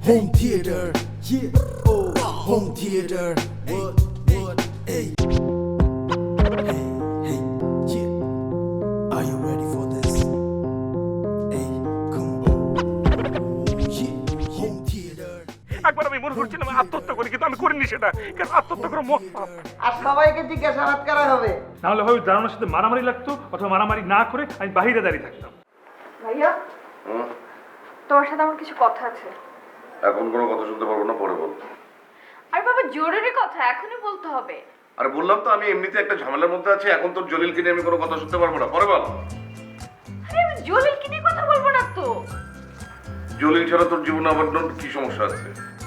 Home theater, yeah. Oh, home theater. What? Hey. Hey, yeah. Are you ready for this? Hey, come on. Yeah, home theater. একবার আমি মনে করছিলাম আত্মহত্যা করি, কিন্তু আমি করিনি সেটা, কারণ আত্মহত্যা করে মত পাপ। আর সবাইকে জিজ্ঞাসাবাদ করা হবে। নাহলে হয় দারুণের সাথে মারামারি লাগতো, অথবা মারামারি না করে আমি বাহিরে দাঁড়িয়ে থাকতাম। ভাইয়া, তোমার সাথে আমার কিছু কথা আছে। এখন কোনো কথা শুনতে পারবো না, পরে বল। আরে বাবা, জরুরি কথা, এখনই বলতে হবে। আরে বললাম তো আমি এমনিতে একটা ঝামেলার মধ্যে আছি, এখন তোর জলিলকে নিয়ে আমি কোনো কথা শুনতে পারবো না, পরে বল। আরে আমি জলিলকে নিয়ে কথা বলবো না তো। জলিল ছাড়া তোর জীবনে আবার কি সমস্যা আছে?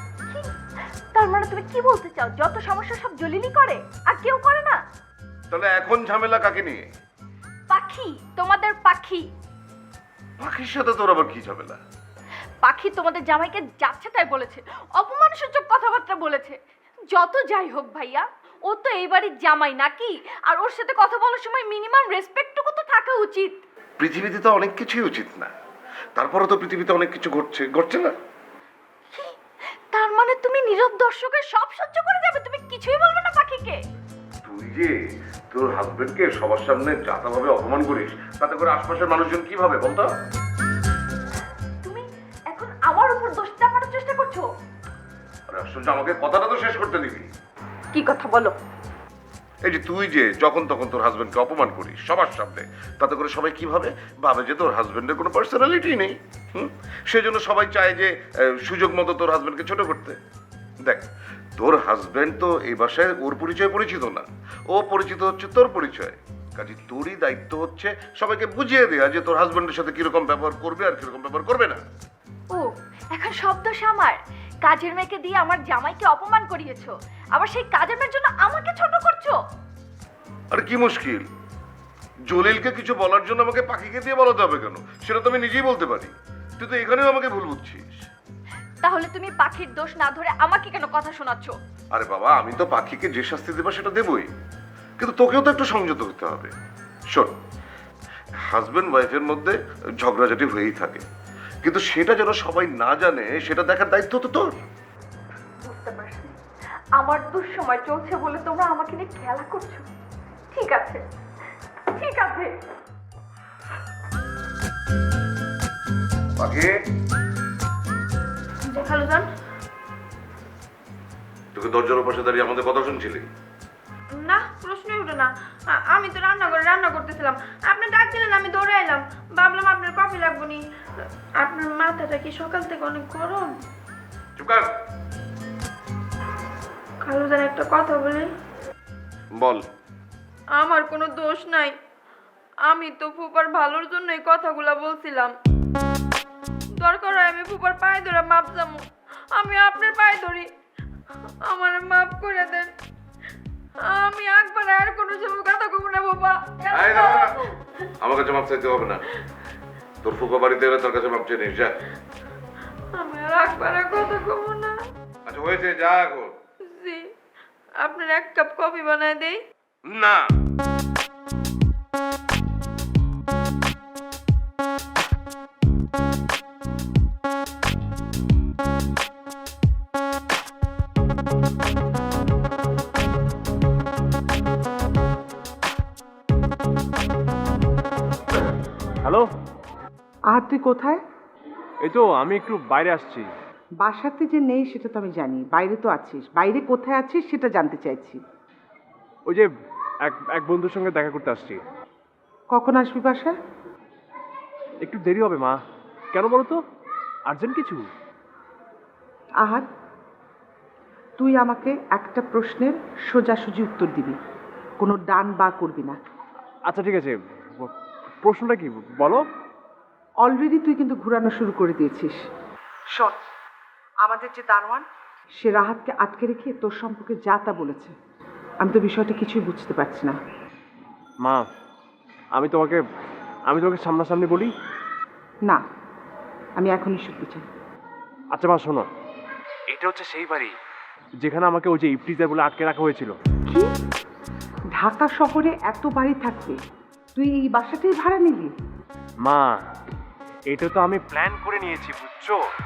তার মানে তুমি কি বলতে চাও, যত সমস্যা সব জলিলই করে আর কেউ করে না? তাহলে এখন ঝামেলা কাকে নিয়ে? পাখি, তোমাদের পাখি। পাখির সাথে তোর আবার কি ঝামেলা? পাখি তোমাদের জামাইকে যাচ্ছে তাই বলেছে, অপমানসূচক কথাবার্তা বলেছে। যত যাই হোক ভাইয়া, ও তো এই বাড়ির জামাই নাকি, আর ওর সাথে কথা বলার সময় মিনিমাম রেসপেক্টটুকু তো থাকা উচিত। পৃথিবীতে তো অনেক কিছুই উচিত না, তারপরে তো পৃথিবীতে অনেক কিছু ঘটছে না। তার মানে তুমি নীরব দর্শকের সব সহ্য করে যাবে, তুমি কিছুই বলবে না পাখিকে? তুই যে তোর হাজবেন্ডকে সবার সামনে যাতাভাবে অপমান করিস, তাতে করে আশপাশের মানুষজন কি ভাবে বলতো? তুমি এখন আমার উপর দোষ চাপানোর চেষ্টা করছো। আরে আশ্চর্য, আমাকে কথাটা তো শেষ করতে দিবি। কি কথা বলো? এই যে তুই যে যখন তখন তোর হাজবেন্ডকে অপমান করিস সবার সামনে, তাতে করে সবাই কি ভাবে যে তোর হাজবেন্ডের কোনো পার্সোনালিটি নেই। সেজন্য সবাই চায় যে সুযোগ মতো তোর হাজবেন্ডকে ছোট করতে। দেখ, তোর হাজবেন্ড তো এই বাসায় ওর পরিচয় পরিচিত না, ও পরিচিত হচ্ছে তোর পরিচয়। কাজে তোরই দায়িত্ব হচ্ছে সবাইকে বুঝিয়ে দেয়া যে তোর হাজবেন্ডের সাথে কিরকম ব্যবহার করবে আর কিরকম ব্যবহার করবে না। ও, এখন সব দোষ আমার। কাজের মেয়েকে দিয়ে আমার জামাইকে অপমান করিয়েছো, আবার সেই কাজের মেয়ের জন্য আমাকে ছোট করছো। আর কি মুশকিল? জলিলকে কিছু বলার জন্য আমাকে পাখিকে দিয়ে বলাতে হবে কেন? সেটা তো আমি নিজেই বলতে পারি। তুই তো এখানেও আমাকে ভুল বুঝছিস। তাহলে তুমি পাখির দোষ না ধরে আমাকে কেন কথা শোনাচ্ছ? আরে বাবা, আমি তো পাখিকে যে শাস্তি দেবো সেটা দেবই, কিন্তু তোকেও তো একটু সংযত হতে হবে। শোন, হাজবেন্ড ওয়াইফের মধ্যে ঝগড়াঝাটি হয়েই থাকে, কিন্তু সেটা যেন সবাই না জানে সেটা দেখার দায়িত্ব তো তোর। বুঝতে পারছি, আমার দুঃসময় চলছে বলে তোমরা আমাকে নিয়ে খেলা করছো। ঠিক আছে। পাখি, খালুজান, তোকে দরজার পাশে দাঁড়িয়ে আমাদের কথা শুনছিলি? না, প্রশ্নই উঠে না। আমি তো রান্না করতেছিলাম, আপনি ডাক দিলেন, আমি দৌড়ে এলাম। ভাবলাম আপনার কফি লাগবো নি। আপনার মাথাটা কি সকাল থেকে অনেক গরম? চুপ কর। খালুজান, একটা কথা বলি। বল। আমার কোনো দোষ নাই, আমি তো ফুপার ভালোর জন্য এই কথাগুলা বলছিলাম। দরকার হয় আমি ফুপার পায়ে ধরে মাপ যাবো, আমি আপনার পায়ে ধরি, আমার মাপ করে দেন। আমি একবার আর কোনো সময় কথা কব না বাবা। আমার কাছে মাপ চাইতে হবে না, তোর ফুপা বাড়িতে এলে তোর কাছে মাপ চেয়ে নিস, যা। আমি আর একবার কথা কব না। আচ্ছা হয়েছে, যা এখন। জি, আপনার এক কাপ কফি বানায় দেই? না। হ্যালো, তুই কোথায়? এই তো আমি একটু বাইরে আসছি। বাসাতে যে নেই সেটা তো আমি জানি, বাইরে তো আছিস। বাইরে কোথায় আছিস সেটা জানতে চাইছি। ওই যে এক বন্ধুর সঙ্গে দেখা করতে আসছি। কখন আসবি বাসায়? একটু দেরি হবে মা। কেন বলো তো, আর্জেন্ট কিছু? আহাদ, তুই আমাকে একটা প্রশ্নের সোজাসুজি উত্তর দিবি, কোনো ডান বা করবি না। আচ্ছা ঠিক আছে, প্রশ্নটা কি বলো। অলরেডি তুই কিন্তু ঘুরানো শুরু করে দিয়েছিস। শোন, আমাদের যে দারোয়ান, সে রাহাতকে আটকে রেখে তোর সম্পর্কে যা তা বলেছে। আমি তো বিষয়টা কিছুই বুঝতে পারছি না। মা, আমি তোমাকে সামনাসামনি বলি? না, আমি এখনই শুনতে চাই। আচ্ছা মা শোনো, এটা হচ্ছে সেই বাড়ি যেখানে আমাকে ওই যে ইফটিজার বলে আটকে রাখা হয়েছিল। কি? ঢাকা শহরে এত বাড়ি থাকবে, তুই এই বাসাটাই ভাড়া নিলি? মা, এটা তো আমি প্ল্যান করে নিয়েছি, বুঝছো?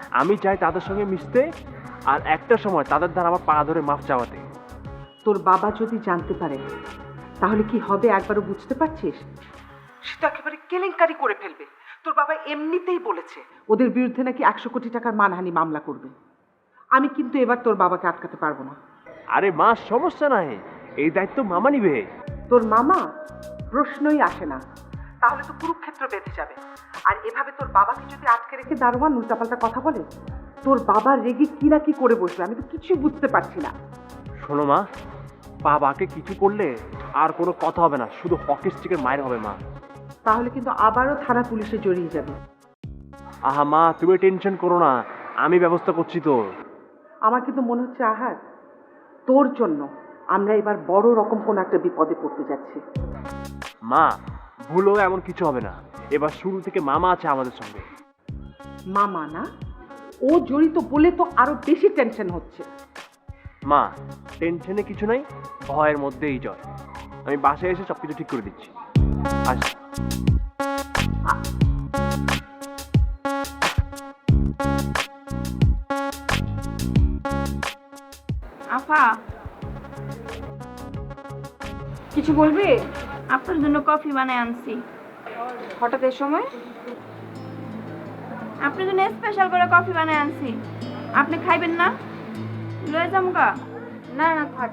আমি চাই তাদের সঙ্গে মিশতে, আর একটা সময় তাদের দ্বারা আমার পা ধরে মাফ চাওয়াতে। তোর বাবা যদি জানতে পারে তাহলে কি হবে একবারও বুঝতে পারছিস? সে তো একেবারে কেলেঙ্কারি করে ফেলবে। তোর বাবা এমনিতেই বলেছে ওদের বিরুদ্ধে নাকি 100 কোটি টাকার মানহানি মামলা করবে। আমি কিন্তু এবার তোর বাবাকে আটকাতে পারবো না। আরে মা, সমস্যা নাই, এই দায়িত্ব মামা নিবে। তোর মামা প্রশ্নই আসে না, তাহলে তো কুরুক্ষেত্র বেঁধে যাবে। আর এভাবে তোর বাবাকে যদি আটকে রেখে দারোয়ান উল্টাপাল্টা কথা বলে, তোর বাবা রেগে কি না কি করে বসবে, আমি তো কিছুই বুঝতে পারছি না। শোনো মা, বাবাকে কিছু করলে আর কোনো কথা হবে না, শুধু হকি স্টিকের মায়ের হবে মা। তাহলে কিন্তু আবারও থানা পুলিশে জড়িয়ে যাবে। আহা মা, তুমি টেনশন করো না, আমি ব্যবস্থা করছি তো। আমার কিন্তু মনে হচ্ছে আহার, তোর জন্য আমরা এবার বড় রকম কোনো একটা বিপদে পড়তে যাচ্ছি। মা, ভুলও এমন কিছু হবে না, এবার শুরু থেকে মামা আছে আমাদের সঙ্গে। মামা না, ও জড়িত বলে তো আরো বেশি টেনশন হচ্ছে। মা, টেনশনে কিছু নাই, ভয়ের মধ্যেই জয়। আমি বাসায় এসে সবকিছু ঠিক করে দিচ্ছি। আচ্ছা। আফা, কিছু বলবি? আপনার জন্য কফি বানায় আনছি। হঠাৎ এই সময়? আপনার জন্য স্পেশাল করে কফি বানায় আনছি। আপনি খাইবেন না? লয়ে যামুকা? না না, থাক।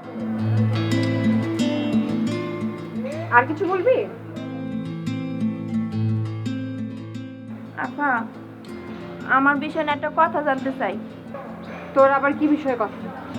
আর কিছু বলবি? আপা, আমার বিষয়ে একটা কথা জানতে চাই। তোর আবার কি বিষয়ে কথা?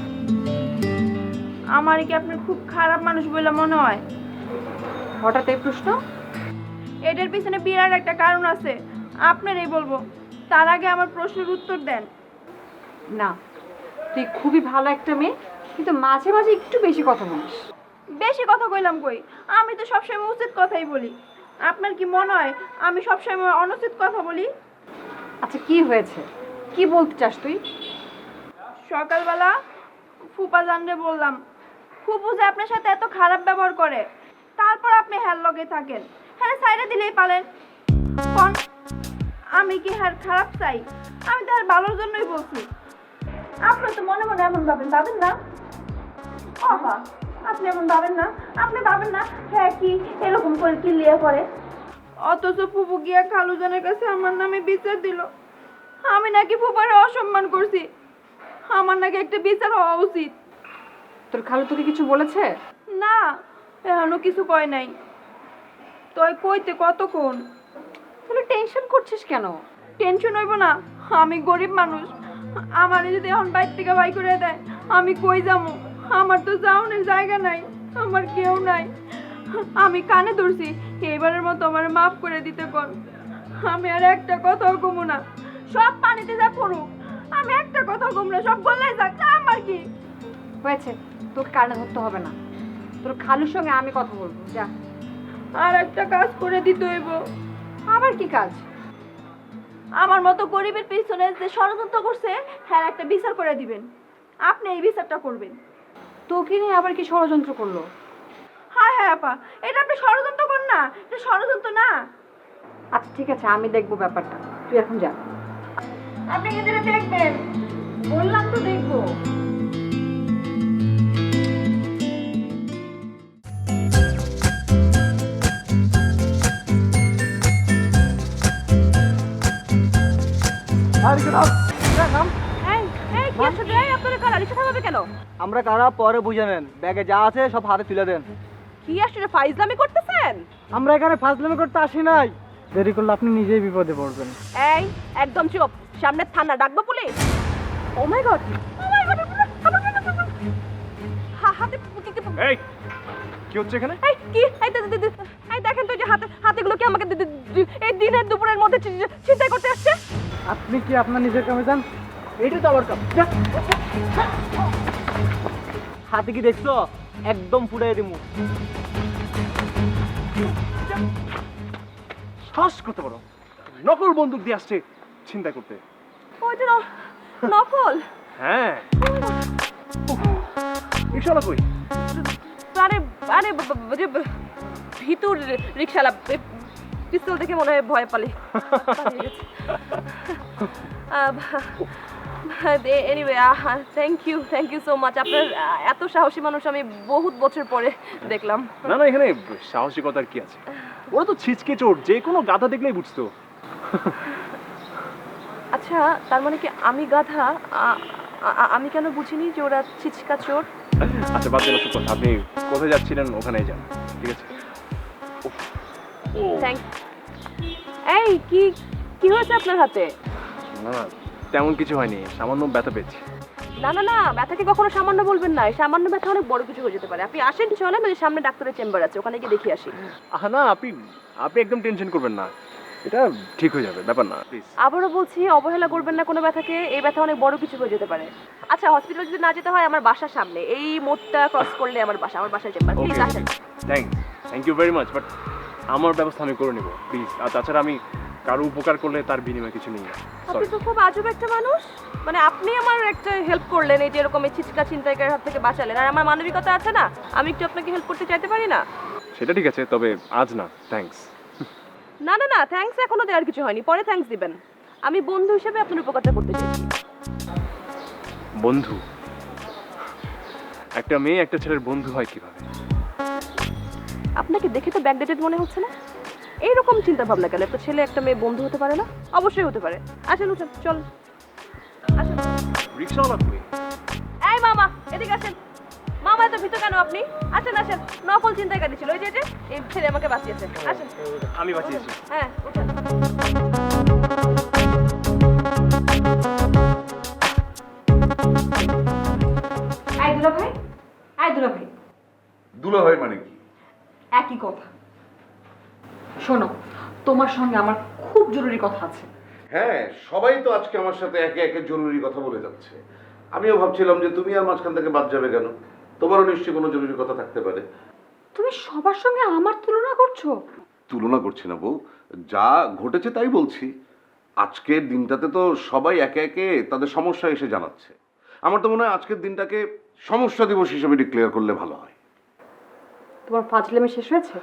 আমার কি আপনার খুব খারাপ মানুষ বলে মনে হয়? হঠাৎ এই প্রশ্ন? এটার পিছনে বিরাট একটা কারণ আছে, আপনারই বলবো। তার আগে আমার প্রশ্নের উত্তর দেন। না, তুই খুবই ভালো একটা মেয়ে, কিন্তু মাঝে মাঝে একটু বেশি কথা বলিস। বেশি কথা কইলাম কই? আমি তো সবসময় উচিত কথাই বলি। আপনার কি মনে হয় আমি সবসময় অনুচিত কথা বলি? আচ্ছা, কি হয়েছে, কি বলতে চাস তুই? সকালবেলা ফুপা জানরে বললাম, ফুপু যে আপনার সাথে এত খারাপ ব্যবহার করে, তারপর আপনি হ্যার লগে থাকেন। হ্যাঁ, সাইডে দিলেই পারেন। কোন আমি কি হ্যার খারাপ চাই? আমি তো আর ভালোর জন্যই বলছি। আপনি তো মনে মনে এমন ভাবেন না? বাবা, আপনি এমন ভাবেন না? আপনি ভাবেন না হ্যাঁ কি এরকম করে কি লিয়ে করে? অথচ ফুপু গিয়া খালুজানের কাছে আমার নামে বিচার দিল। আমি নাকি ফুপারে অসম্মান করছি। আমার নাকি একটা বিচার হওয়া উচিত। তোর খালু তোকে কিছু বলেছে? না, এখনো কিছু কয় নাই। তুই কইতে কতক্ষণ? তাহলে টেনশন করছিস কেন? টেনশন হইব না? আমি গরিব মানুষ, আমার যদি এখন বাইর থেকে বাই করে দেয়, আমি কই যাবো? আমার তো যাওয়ার জায়গা নাই, আমার কেউ নাই। আমি কানে ধরছি, এবারের মতো আমার মাফ করে দিতে কর। আমি আর একটা কথাও কমু না, সব পানিতে যা পড়ুক, আমি একটা কথা কমু না, সব গলায় যাক, তা আমার কি হয়েছে, তোকে কানে ধরতে হবে না। তোর খালুর সঙ্গে আমি কথা বলবো, যা। আর একটা কাজ করে দিতে হইব। আবার কি কাজ? আমার মতো গরিবের পিছনে যে ষড়যন্ত্র করছে, হ্যাঁ একটা বিচার করে দিবেন। আপনি এই বিচারটা করবেন। তোকে নিয়ে আবার কি ষড়যন্ত্র করলো? হ্যাঁ হ্যাঁ আপা, এটা আপনি ষড়যন্ত্র করেন না, এটা ষড়যন্ত্র না। আচ্ছা ঠিক আছে, আমি দেখবো ব্যাপারটা, তুই এখন যা। আপনি কি যেটা দেখবেন? বললাম তো দেখবো। আমরা কারা পরে বুঝে নেন, ব্যাগে যা আছে সব হাতে তুলে দেন। কি আসলে ফাইজলামি করতেছেন? আমরা এখানে ফাজলামি করতে আসি নাই, দেরি করলে আপনি নিজেই বিপদে পড়বেন। এই একদম চুপ, সামনে থানা, ডাকবো police. Oh my god, oh my god, হাতে এই, কি হচ্ছে এখানে? এই কি, এই দেখেন তো, যে হাতেগুলো কি আমাকে এই দিনের দুপুরের মধ্যে চিন্তা করতে আসছে? আপনি কি আপনার নিজের কামে যান? এইটা তো আমার কাম। হাতে কি দেখছো? একদম ফুটাই দিমু। শ্বাস করতে পারো, নকল বন্দুক দিয়ে আসছে চিন্তা করতে। ওইটা নকল? হ্যাঁ, রিক্সাওয়ালা কই? আরে আরে যে ভিতর রিক্সাওয়ালা পিস্তল দেখে মনে হয় ভয় পালিয়ে গেছে। Anyway thank you so much. আপনার এত সাহসী মানুষ আমি বহুত বছর পরে দেখলাম। না না, এখানে সাহসিকতার কি আছে? ওরা তো ছিচকে চোর, যে কোনো গাধা দেখলেই বুঝতো। আচ্ছা, তার মানে কি আমি গাধা? আমি কেন বুঝিনি যে ওরা ছিচকা চোর? আচ্ছা বাদ দেন ওসব কথা, আপনি কোথায় যাচ্ছিলেন ওখানেই যান, ঠিক আছে? থ্যাংক। এই কি কি হয়েছে আপনার হাতে? না না, তেমন কিছু হয়নি, সামান্য ব্যথা পেয়েছি। না না না, ব্যথাকে কখনো সামান্য বলবেন না। সামান্য ব্যথা অনেক বড় কিছু হয়ে যেতে পারে। আপনি আসেন, চলেন, ওই সামনে ডাক্তারের চেম্বার আছে, ওখানে গিয়ে দেখিয়ে আসি। না আপনি একদম টেনশন করবেন না, এটা ঠিক হয়ে যাবে, ব্যাপার না, প্লিজ। আবারও বলছি, অবহেলা করবেন না কোনো ব্যথাকে। এই ব্যথা অনেক বড় কিছু হয়ে যেতে পারে। আচ্ছা, হসপিটালে যদি না যেতে হয়, আমার বাসার সামনে, এই মোড়টা ক্রস করলে আমার বাসার চেম্বার। প্লিজ আসেন। Thank you very much, but আমার ব্যবস্থা আমি করে নেব, প্লিজ। আর তাছাড়া আমি কারো উপকার করলে তার বিনিময়ে কিছু নেই। আপনি তো খুব আজব একটা মানুষ। মানে আপনি আমার একটা হেল্প করলেন, এই যে এরকম এই ছিচকা ছিনতাইকারীর হাত থেকে বাঁচালেন, আর আমার মানবিকতা আছে না, আমি একটু আপনাকে হেল্প করতে চাইতে পারি না? সেটা ঠিক আছে, তবে আজ না, থ্যাঙ্কস। না না না, থ্যাঙ্কস এখনো দেওয়ার কিছু হয়নি, পরে থ্যাঙ্কস দিবেন। আমি বন্ধু হিসেবে আপনার উপকারটা করতে চাইছি। বন্ধু? একটা মেয়ে একটা ছেলের বন্ধু হয় কিভাবে? আপনাকে দেখে তো ব্যাকডেটেড মনে হচ্ছে না? এইরকম চিন্তা ভাবনা কেন? একটা ছেলে একটা মেয়ে বন্ধু হতে পারে না? অবশ্যই হতে পারে। আসেন, উঠেন, চল আসেন। রিক্সাওয়ালা তুমি? এই মামা, এদিকে আসেন। মামা এত ভীত কেন আপনি? আসেন আসেন, নকল চিন্তাকারী ছিল, ওই যে এই ছেলে আমাকে বাঁচিয়েছে। আসেন। আমি বাঁচিয়েছি? হ্যাঁ, উঠেন। আই দুলা ভাই, আই দুলা ভাই, দুলা হয় মানে কি? একই কথা। শোনো, তোমার সঙ্গে আমার খুব জরুরি কথা আছে। হ্যাঁ, সবাই তো আজকে আমার সাথে একে একে জরুরি কথা বলে যাচ্ছে। আমিও ভাবছিলাম যে তুমি আর মাঝখান থেকে বাদ যাবে কেন? তোমারও নিশ্চয়ই কোনো জরুরি কথা থাকতে পারে। তুমি সবার সঙ্গে আমার তুলনা করছো? তুলনা করছি না বউ, যা ঘটেছে তাই বলছি। আজকের দিনটাতে তো সবাই একে একে তাদের সমস্যা এসে জানাচ্ছে। আমার তো মনে হয় আজকের দিনটাকে সমস্যা দিবস হিসেবে ডিক্লেয়ার করলে ভালো হয়। তোমার ফাজলামি শেষ হয়েছে?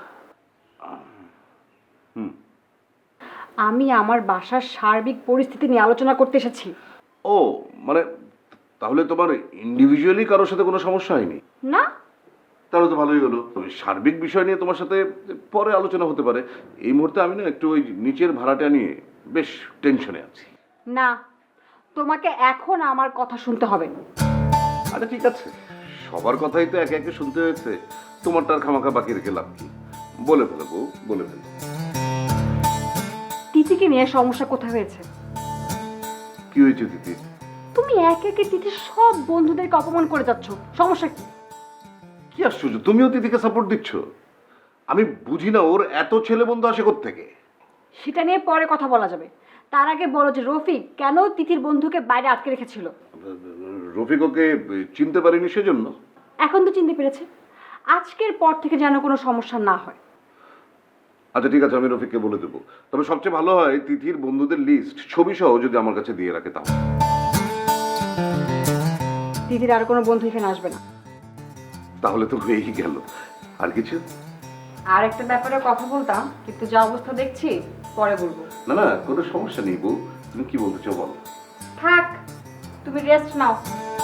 আমি আমার বাসার সার্বিক পরিস্থিতি নিয়ে আলোচনা করতে এসেছি। ও মানে, তাহলে তোমার ইন্ডিভিজুয়ালি কারোর সাথে কোনো সমস্যা হয়নি? না। তাহলে তো ভালোই হলো। সার্বিক বিষয় নিয়ে তোমার সাথে পরে আলোচনা হতে পারে। এই মুহূর্তে আমি না একটু ওই নিচের ভাড়াটা নিয়ে বেশ টেনশনে আছি। না, তোমাকে এখন আমার কথা শুনতে হবে। আরে ঠিক আছে, সবার কথাই তো একে একে শুনতে হয়েছে, তোমারটার খামাখা বাকি রেখে লাভ কি? বলে ফেলো বউ, বলে ফেলো। তিথিকে নিয়ে সমস্যা কোথায় হয়েছে? কি হয়েছে দিদি? তুমি একে একে তিথির সব বন্ধুদেরকে অপমান করে যাচ্ছ, সমস্যা কি? কি আশ্চর্য, তুমিও দিদিকে সাপোর্ট দিচ্ছ? আমি বুঝি না ওর এত ছেলে বন্ধু আসে কোত্থেকে। সেটা নিয়ে পরে কথা বলা যাবে। তার আগে বলো যে রফিক কেন তিথির বন্ধুকে বাইরে আটকে রেখেছিল? রফিক ওকে চিনতে পারিনি সেজন্য। এখন তো চিনতে পেরেছে। আজকের পর থেকে যেন কোনো সমস্যা না হয়। আচ্ছা ঠিক আছে, আমি রফিককে বলে দেবো। তবে সবচেয়ে ভালো হয় তিথির বন্ধুদের লিস্ট ছবি সহ যদি আমার কাছে দিয়ে রাখে তাহলে। তিথির আর কোনো বন্ধু এখানে আসবে না। তাহলে তো হয়েই গেল। আর কিছু? আর একটা ব্যাপারে কথা বলতাম, কিন্তু যা অবস্থা দেখছি পরে বলবো। না না, কোনো সমস্যা নেই বউ, তুমি কি বলতে চাও বলো। থাক, তুমি রেস্ট নাও।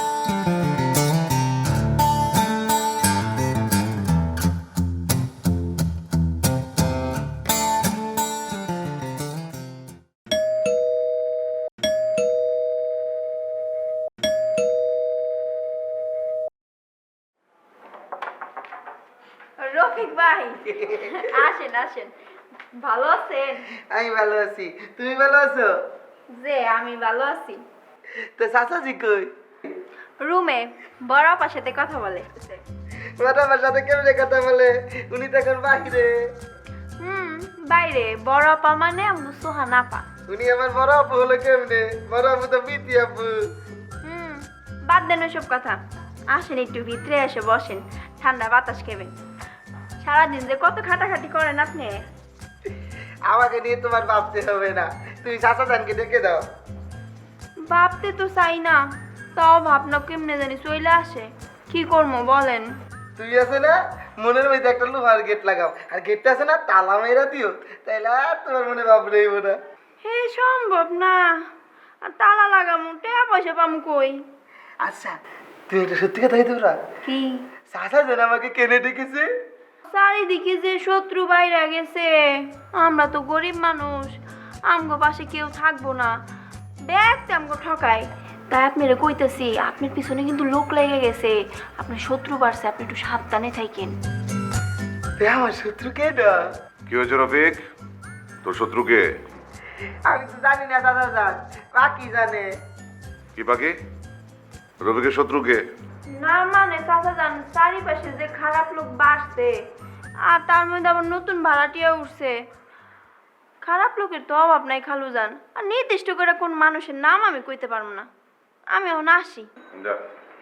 রফিক ভাই, আসেন আসেন। ভালো আছেন? আমি ভালো আছি, তুমি ভালো আছো? যে আমি ভালো আছি। তো চাচাজি কই? রুমে বড় আপার সাথে কথা বলে। বড় আপার সাথে কেমনে কথা বলে? উনি তো এখন বাহিরে। বাইরে। বড় আপা মানে আমরা সোহান আপা। উনি আমার বড় আপু হলো কেমনে? বড় আপু তো বিতি আপু। বাদ দেন ওসব কথা। আসেন একটু ভিতরে এসে বসেন, ঠান্ডা বাতাস খেবেন। সারাদিন যে কত খাটাখাটি করেন আপনি। আমাকে নিয়ে তোমার ভাবতে হবে না, তুমি চাচা জানকে ডেকে দাও। ভাবতে তো চাই না, তাও ভাবনা কেমনে জানি চলে আসে। কি করবো বলেন? তুই আছে না, মনের মধ্যে একটা লোহার গেট লাগাও, আর গেটটা আছে না তালা মেরা দিও, তাইলে আর তোমার মনে ভাব রইব না। হে সম্ভব না। আর তালা লাগামু টাকা পয়সা পামু কই? আচ্ছা তুই এটা সত্যি কথা তোরা কি চাচা যেন আমাকে কেনে ডেকেছে। চারিদিকে যে শত্রু বাইরে গেছে, আমরা তো গরিব মানুষ, আমগো পাশে কেউ থাকবো না, দেখতে আমগো ঠকাই। তাই আপনারা কইতেছি আপনার পিছনে কিন্তু লোক লেগে গেছে, আপনার শত্রু বাড়ছে, আপনি একটু সাবধানে থাকেন। আমার শত্রু কে না? কি হয়েছে রফিক? তোর শত্রুকে? আমি তো জানি না চাচা যান, বাকি জানে। কি বাকি? রফিকের শত্রুকে? না মানে চাচা জান, চারিপাশে যে খারাপ লোক বাড়ছে, আর তার মধ্যে আবার নতুন ভাড়াটিয়া উঠছে। খারাপ লোকের তো অভাব নাই খালু যান, আর নির্দিষ্ট করে কোন মানুষের নাম আমি কইতে পারবো না। আমি এখন আসি। যা।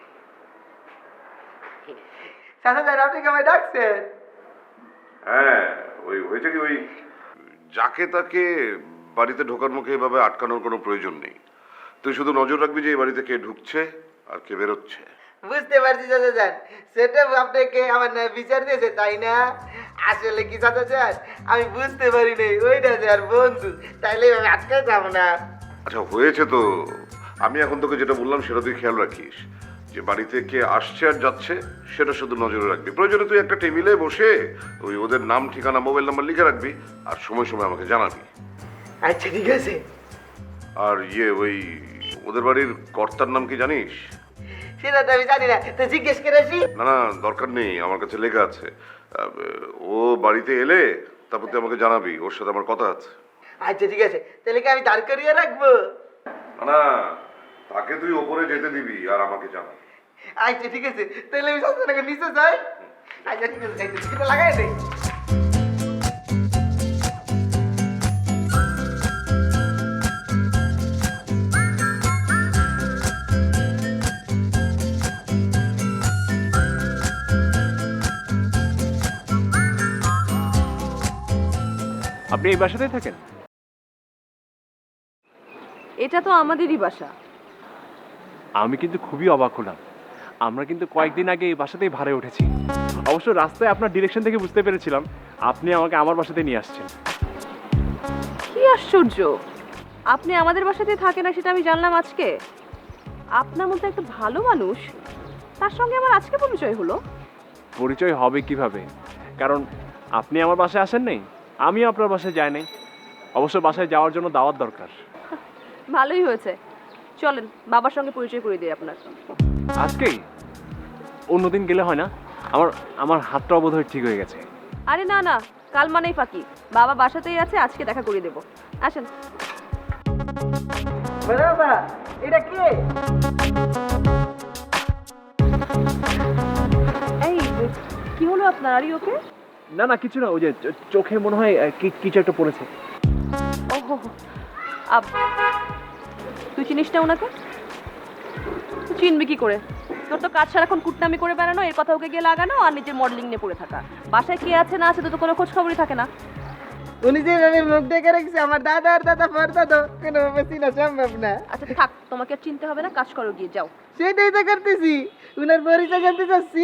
চাচা যান আপনি কি আমায় ডাকছেন? হ্যাঁ, ওই হয়েছে কি, ওই যাকে তাকে বাড়িতে ঢোকার মুখে এভাবে আটকানোর কোনো প্রয়োজন নেই। তুই শুধু নজর রাখবি যে এই বাড়িতে কে ঢুকছে আর কে বেরোচ্ছে। বুঝতে পারছি চাচা যান, সেটা আপনাকে আমার না বিচার দিয়েছে তাই না? আসলে কি চাচা যান, আমি বুঝতে পারি নাই ওইটা যে আর বন্ধু, তাইলে আমি আটকে যাবো না। আচ্ছা হয়েছে তো, আমি এখন তোকে যেটা বললাম সেটা তুই খেয়াল রাখিস, যে বাড়িতে কে আসছে আর যাচ্ছে সেটা শুধু নজরে রাখবি। প্রয়োজনে তুই একটা টেবিলে বসে ওই ওদের নাম, ঠিকানা, মোবাইল নাম্বার লিখে রাখবি, আর সময় সময় আমাকে জানাবি। আচ্ছা ঠিক আছে। আর ওই ওদের বাড়ির কর্তার নাম কি জানিস? সেটা তো আমি জানি না, তো জিজ্ঞেস করে আসি। না না, দরকার নেই, আমার কাছে লেখা আছে। ও বাড়িতে এলে তারপর তুই আমাকে জানাবি, ওর সাথে আমার কথা আছে। আচ্ছা ঠিক আছে, তাহলে কি আমি দাঁড় করিয়ে রাখবো? না, তাকে তুই ওপরে যেতে দিবি আর আমাকে জানাবি। আচ্ছা ঠিক আছে, তাহলে আমি সবসময় নিচে যাই। আচ্ছা ঠিক আছে, সেটা লাগাই নেই। আপনি এই বাসাতেই থাকেন? এটা তো আমাদেরই বাসা। আমি কিন্তু খুবই অবাক হলাম। আমরা কিন্তু কয়েকদিন আগে এই বাসাতেই ভাড়ায় উঠেছি। অবশ্য রাস্তায় আপনার ডিরেকশন থেকে বুঝতে পেরেছিলাম আপনি আমাকে আমার বাসাতে নিয়ে আসছেন। কি আশ্চর্য, আপনি আমাদের বাসাতেই থাকে না সেটা আমি জানলাম আজকে। আপনার মধ্যে একটা ভালো মানুষ, তার সঙ্গে আমার আজকে পরিচয় হলো। পরিচয় হবে কিভাবে? কারণ আপনি আমার বাসায় আসেন নাই, আমি আপনার বাসায় যাই নাই। অবশ্য বাসায় যাওয়ার জন্য দাওয়াত দরকার। ভালোই হয়েছে, চলেন বাবার সঙ্গে পরিচয় করে দিই আপনার। আজকেই? অন্যদিন গেলে হয় না? আমার হাতটাও বোধ হয় ঠিক হয়ে গেছে। আরে না না, কাল মানেই ফাঁকি, বাবা বাসাতেই আছে, আজকে দেখা করে দেবো। আসেন। বাবা এটা কে? এই কি হলো আপনার? আর ওকে? না না কিছু না, ওই যে চোখে মনে হয় কিছু একটা পড়েছে। ওহো, তুই চিনিস না ওনাকে? চিনবি কি করে? তোর তো কাজ সারাক্ষণ কুটনামি করে বেড়ানো, এর কথা ওকে গিয়ে লাগানো, আর নিজের মডেলিং নিয়ে পড়ে থাকা। বাসায় কে আছে না আছে তো কোনো খোঁজ খবরই থাকে না। উনি যেভাবে মুখ দেখে রেখেছে আমার দাদা আর দাদা পরদাদা, কোনোভাবে চিনা সম্ভব না। আচ্ছা থাক, তোমাকে আর চিনতে হবে না, কাজ করো গিয়ে, যাও। সেটাই তো করতেছি, উনার পরিচয় জানতে চাচ্ছি।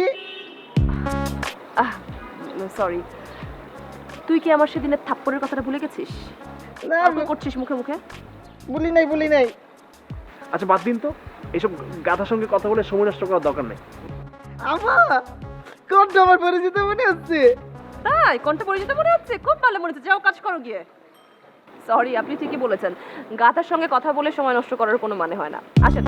সরি, তুই কি আমার সেদিনের থাপ্পড়ের কথাটা ভুলে গেছিস? না করছিস মুখে মুখে। বলি নাই। আচ্ছা বাদ দিন তো, এইসব গাধার সঙ্গে কথা বলে সময় নষ্ট করার দরকার নেই। কোনটা আমার পরিচিত মনে হচ্ছে? তাই কোনটা পরিচিত মনে হচ্ছে? খুব ভালো মনে হচ্ছে, যাও কাজ করো গিয়ে। সরি, আপনি ঠিকই বলেছেন, গাধার সঙ্গে কথা বলে সময় নষ্ট করার কোনো মানে হয় না। আসেন।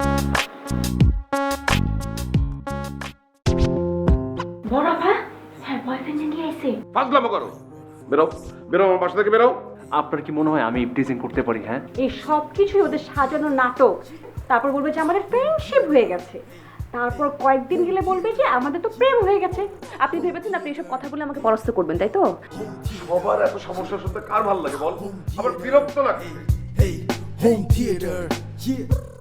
বড় ভাই স্যার বয়ফ্রেন্ড নিয়ে আইছে। ফাজলামো করো, বেরো বেরো আমার বাসা থেকে বেরো। আপনার কি মনে হয় আমি ইপটিজিং করতে পারি? হ্যাঁ, এই সব কিছুই ওদের সাজানো নাটক। তারপর বলবে যে আমাদের ফ্রেন্ডশিপ হয়ে গেছে, তারপর কয়েকদিন গেলে বলবে যে আমাদের তো প্রেম হয়ে গেছে। আপনি ভেবেছেন আপনি এসব কথাগুলো আমাকে পরাস্ত করবেন, তাই তো? সবার এত সমস্যা শুনতে কার ভালো লাগে বল? আবার বিরক্ত লাগে। Hey, home theater, yeah.